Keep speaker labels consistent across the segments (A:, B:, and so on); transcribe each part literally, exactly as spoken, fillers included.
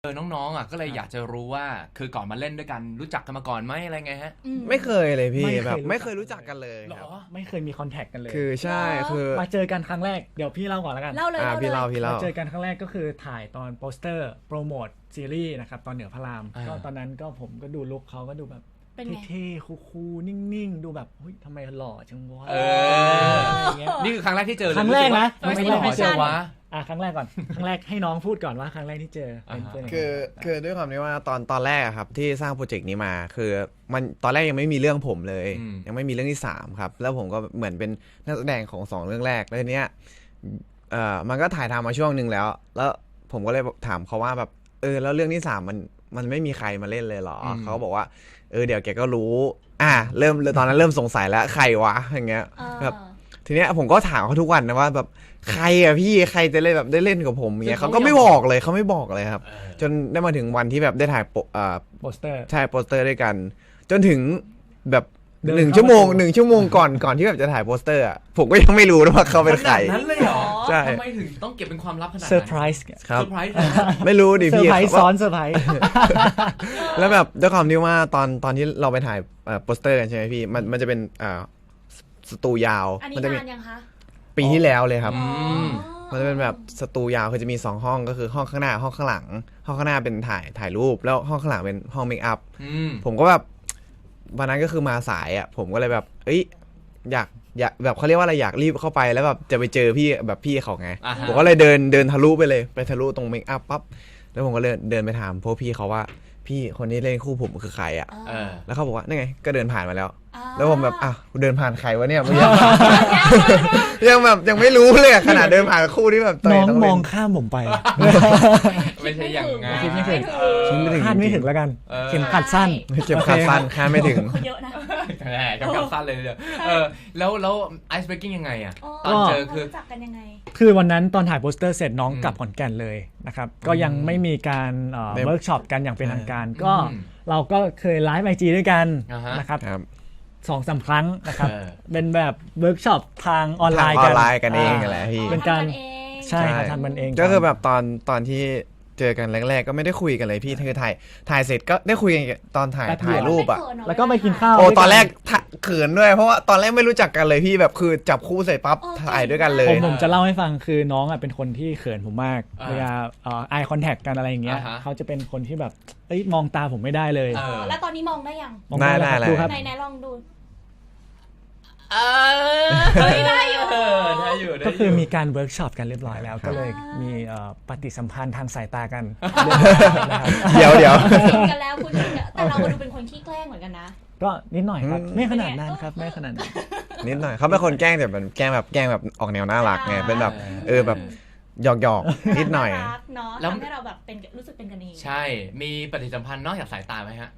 A: เออน้องๆอ่ะก็เลยอยากจะรู้ว่าคือก่อนมาเล่นด้วยกันรู้จักกันมาก่อนไหมอะไรไงฮะ
B: ไม่เคยเลยพี่
C: ไม่เคย
B: แบบ
C: รู้จัก
B: ไม่เคยรู้จักกันเลย
A: หร
B: ครับ
A: อ
C: ไม่เคยมีคอนแทคกันเลย
B: คือใช่คือ
C: มาเจอกันครั้งแรกเดี๋ยวพี่เล่าก่อนแล้วกัน
D: เล่าเลย
B: อ่า
D: เล่า
B: พี่
D: เล
B: เล่าย พี่เล่า
C: มาเจอกันครั้งแรกก็คือถ่ายตอนโปสเตอร์โปรโมทซีรีส์นะครับตอนเหนือพระราม
A: อ่า
C: ก็ตอนนั้นก็ผมก็ดูลุคเขาก็ดูแบบ
D: เป็นไง
C: เท่ๆคูลๆนิ่งๆ ดูแบบเฮ้ยทำไมหล่อจังวะ
A: เอ
C: อะไรอย่างเงี้ย
A: นี่คือครั้งแรกที่เจอเลย
C: ครั้งแรกนะ
A: ไม่
D: ไม่
A: ใช่
D: ใช่
A: หรอเจอวะ
C: อ่ะครั้งแรกก่อน ครั้งแรกให้น้องพูดก่อนว่าครั้งแรกที่เจอเป็นเป็นยังไง
B: คือคือด้วยความที่ว่าตอนตอนแรกอะครับที่สร้างโปรเจกต์นี้มาคือมันตอนแรกยังไม่มีเรื่องผมเลย
A: อืม
B: ยังไม่มีเรื่องที่สามครับแล้วผมก็เหมือนเป็นนักแสดงของสองเรื่องแรกแล้วทีเนี้ยเอ่อมันก็ถ่ายทำมาช่วงหนึ่งแล้ว แล้วผมก็เลยถามเขาว่าแบบเออแล้วเรื่องที่สามมันมันไม่มีใครมาเล่นเลยเหรออ
A: ม
B: เขาบอกว่าเออเดี๋ยวแกก็รู้อ่ะเริ่มตอนนั้นเริ่มสงสัยแล้วใครวะอย่างเงี้ย
D: เออ
B: แบบทีเนี้ยผมก็ถามเขาทุกวันนะว่าแบบใครอะพี่ใครจะเล่นแบบได้เล่นกับผมอย่างเงี้ยเขาก็ไม่บอกเลยเขาไม่บอกเลยครับ
A: เออ
B: จนได้มาถึงวันที่แบบได้ถ่ายโปเอ่อ
C: โปสเตอร์
B: ใช่โปสเตอร์ด้วยกัน จนถึงแบบ
C: เดิน
B: หนึ่ง
C: เข้า
B: ชั่วโมง
C: ประตู
B: หนึ่งชั่วโมงก่อนก่อนที่แบบจะถ่ายโปสเตอร์อะผมก็ยังไม่รู้นะว่าเขาเป็นใคร
A: ขนาดนั้นเลยเหรอ
B: ใช่
A: ทำไมถึงต้องเก็บเป็นความลับขนาดนั้น
C: เซอร์ไพรส์
B: ครับ
A: เซอร์ไพรส์เลยนะ
B: ไม่รู้ดิ
C: เซอ
B: พี่
C: ร์ไพรส์
B: ว่า
C: ซ้อนเซอร์ไพรส์
B: แล้วแบบด้วยความที่ว่าตอนตอนที่เราไปถ่ายเอ่อโปสเตอร์กันใช่ไหมพี่มันมันจะเป็นอ่าสตูยาว
D: อันนี้
B: มัจะมี
D: นานยังคะ
B: ปีที่แล้วเลยครับ
A: อืม
B: มันจะเป็นแบบสตูยาวคือจะมีสองห้องก็คือห้องข้างหน้าห้องข้างหลัง ห้องข้างหน้าเป็นถ่ายถ่ายรูปแล้วห้องข้างหลังเป็นห้องเมคอัพ
A: อืม
B: ผมก็แบบวันนั้นก็คือมาสายอ่ะผมก็เลยแบบเอ้ยอยากอยากแบบเขาเรียกว่าอะไรอยากรีบเข้าไปแล้วแบบจะไปเจอพี่แบบพี่เขาไง
A: อ่าฮะ
B: ผมก็เลยเดินเดินทะลุไปเลยไปทะลุตรงเมคอัพปั๊บแล้วผมก็เลยเดินไปถามพวกพี่เขาว่าพี่คนนี้เล่นคู่ผมคือใครอ่ะ
A: เออ
B: แล้วเขาบอกว่านี่ไงก็เดินผ่านมาแล้ว
D: อ่า
B: แล้วผมแบบอ่ะกูเดินผ่านใครวะเนี่ยยัง ยังแบบยังไม่รู้เลยอะขนาดเดินผ่านคู่ที่แบบตัว
C: น้
B: เอ
C: อง
B: ต้อง
C: ม
B: เล่
C: อง
B: น
C: ข้ามผมไป
A: ไม่ใช่อย่างงั้น
C: คิดไม่ถึง
A: เออ
B: คิดไม่ถึง
C: คาดไม่ถึงแล้วกัน
A: เออ
C: เข็มขัดสั้น
B: เก็บขาสั้นคาดไม่ถึง
D: เขาเยอะนะ
A: แหมจำกัดสั้นเลยเดียวเออแล้วแล้วไอซ์เบรกกิ้งยังไงอ่ะ ต
D: อ๋
A: อน
D: อ
A: เจอคือ
D: รู้จักกันยังไง
C: คือวันนั้นตอนถ่ายโปสเตอร์เสร็จน้อง
A: อืม
C: กลับขอนแก่นเลยนะครับ ก็ยังไม่มีการเอ่อ
B: ไม่
C: เวิร์กช็อปกันอย่างเป็นทางการ ก็
A: อืม
C: เราก็เคยไลฟ์ไอจีด้วยกัน
A: อ่าฮะ
C: นะครับ
B: ครับ
C: สองสามครั้งนะครับ
A: เออ
C: เป็นแบบเวิร์กช็อปทางออนไล
B: ทาง
C: น์
B: อ
C: กั
B: อน นไลน์กันเองแหละพี่
C: เป็นการ
D: ทำเอง
C: ใช่ครับทำมันเอง
B: ก็คือแบบตอนตอนที่เจอกันแรกๆก็ไม่ได้คุยกันเลยพี่คือถ่ายถ่ายเสร็จก็ได้คุยกันตอนถ่ายถ่ายรูปอ่ะ
D: ไม่เขินเหร
C: แล้วก็ไปกินข้าว
B: โอ้
C: ด้วย
B: ตอนแรกถ่าเขินด้วยเพราะว่าตอนแรกไม่รู้จักกันเลยพี่แบบคือจับคู่เสร็จปั๊บถ่ายด้วยกันเล
C: ผ
B: ย
C: มผมจะเล่าให้ฟังคือน้องอ่ะเป็นคนที่เขินผมมาก
A: อ่า
C: เวลาเอ่อ eye contact กันอะไรอย่างเงี้ย
A: อ่าฮะ
C: เขาจะเป็นคนที่แบบเอ้ยมองตาผมไม่ได้เลย
A: เออ
D: แล้วตอนนี้มองได้ยัง
C: มองได้แล้วครับ
B: ได้
C: ดูครับ
D: ไหนไหนลองดู
A: เออได้อยู่ได้อยู่ได้อยู่
C: ก็คือมีการเวิร์กช็อปกันเรียบร้อยแล้ว ก็เลยมีเอ่อปฏิสัมพันธ์ทางสายตากันนะครับ
B: เดี๋ยวเดี๋ยว
D: คุยกันแล้วคุณแต่เราก็ดูเป็นคนขี้แกล้งเหมือนกันนะ
C: ก็นิดหน่อยครับ
B: อืม
C: ไม่ขนาดนั้นครับไม่ขนาดนั้น
B: นิดหน่อยเขาเป็นคนแกล้งแต่แบบแกล้งแบบแกล้งแบบออกแนวน่ารักไงเป็นแบบเออแบบหยอกหยอกๆนิดหน่อย
D: ารักเนาะ
A: แล้ว
D: ทำให้เราแบบเป็นรู้สึกเป็นกันเอง
A: ใช่มีปฏิสัมพันธ์นอกจากสายตาไหมฮะ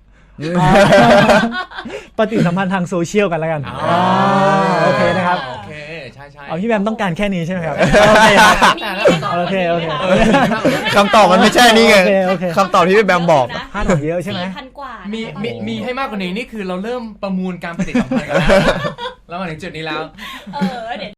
C: ปฏิสัมพันธ์ทางโซเชียลกันแล้วกัน
A: อ๋อ
C: อ่าโอเคนะครับ
A: โอเคใช่ใช่
C: เอาพี่แบมต้องการแค่นี้ใช่ไหมครับโอเคครับ
D: มีมีให้น้ง
C: โอเคโอเค
D: ก
A: เอ
D: ว่า
A: อ
D: นี้ไหมคะ
B: คำตอบมันไม่ใช่นี่ไง
C: โอเคโอเค
B: คำตอบที่พี่แบมบอก
C: พลาดหัวเยอะใช่ไหม
D: สี่พันกว่า
A: มี
D: นะคะ
A: มีมีให้มากกว่านี้นี่คือเราเริ่มประมูลการปฏิสัมพันธ์กันแล้ว แล้วมาถึงจุดนี้แล้ว
D: เออเดี๋ยว